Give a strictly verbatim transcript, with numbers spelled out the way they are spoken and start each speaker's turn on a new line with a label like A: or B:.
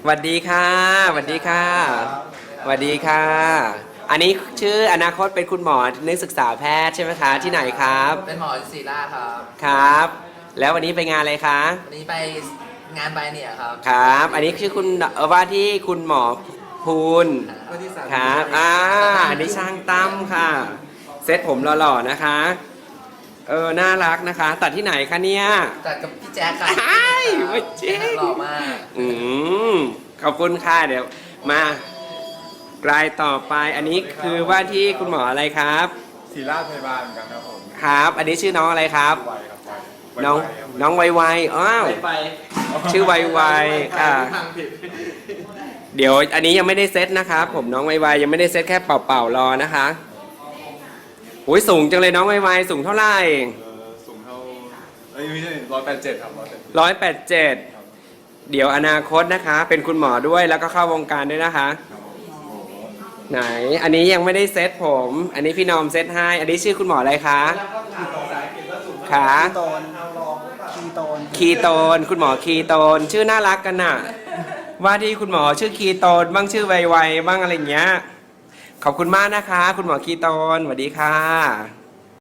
A: วัสดีค่ะสวัสดีค่ะสวัสดีค่ะอันนี้ชื่ออนาคตเป็นคุณหมอนักศึกษาแพทย์ใช่ไหมคะที่ไหนครับ
B: เป็นหมอศิริราชครับ
A: ครับแล้ววันนี้ไปงานอะไรคะ
B: วันนี้ไปงานใบเนี่ยครับ
A: ครับอันนี้ชื่อคุณเออว่าที่คุณหมอภูลครับอ่าอันนี้ช่างตั้มค่ะเซตผมหล่อๆนะคะเออน่ารักนะคะตัดที่ไหนคะเนี่ย
B: จัดกับพี่แจ๊คครับ
A: ใช่ไม่จริง
B: หล่อมาก
A: อืมขอบคุณค่ะเดี๋ยวมารายต่อไปอันนี้คือว่าที่คุณหมออะไรครับ
C: ศิริราชพยาบาลเหมือนกันครับผม
A: ครับอันนี้ชื่อน้องอะไรครับ
C: ไวครับไว
A: น้องน้องไวไวอ้าวชื่อไวไวค่ะเดี๋ยวอันนี้ยังไม่ได้เซตนะครับผมน้องไวไวยังไม่ได้เซตแค่เป่าๆรอนะคะโอ้ยสูงจังเลยน้องไวไวสูงเท่าไหร่
C: เออสูงเท่าเอ้ยไม่ใช่ร้อยแปดเจ็ดครับร้อยแปด
A: ร้อยแปดเจ็ดเดี๋ยวอนาคตนะคะเป็นคุณหมอด้วยแล้วก็เข้าวงการด้วยนะคะไหนอันนี้ยังไม่ได้เซตผมอันนี้พี่นอมเซตให้อันนี้ชื่อคุณหมออะไรคะขา
D: คีโตนคีโตน
A: คีโตนคุณหมอคีโตนชื่อน่ารักกันน่ะว่าที่คุณหมอชื่อคีโตนบ้างชื่อไวๆบ้างอะไรอย่างเงี้ยขอบคุณมากนะคะคุณหมอคีโตนสวัสดีค่ะ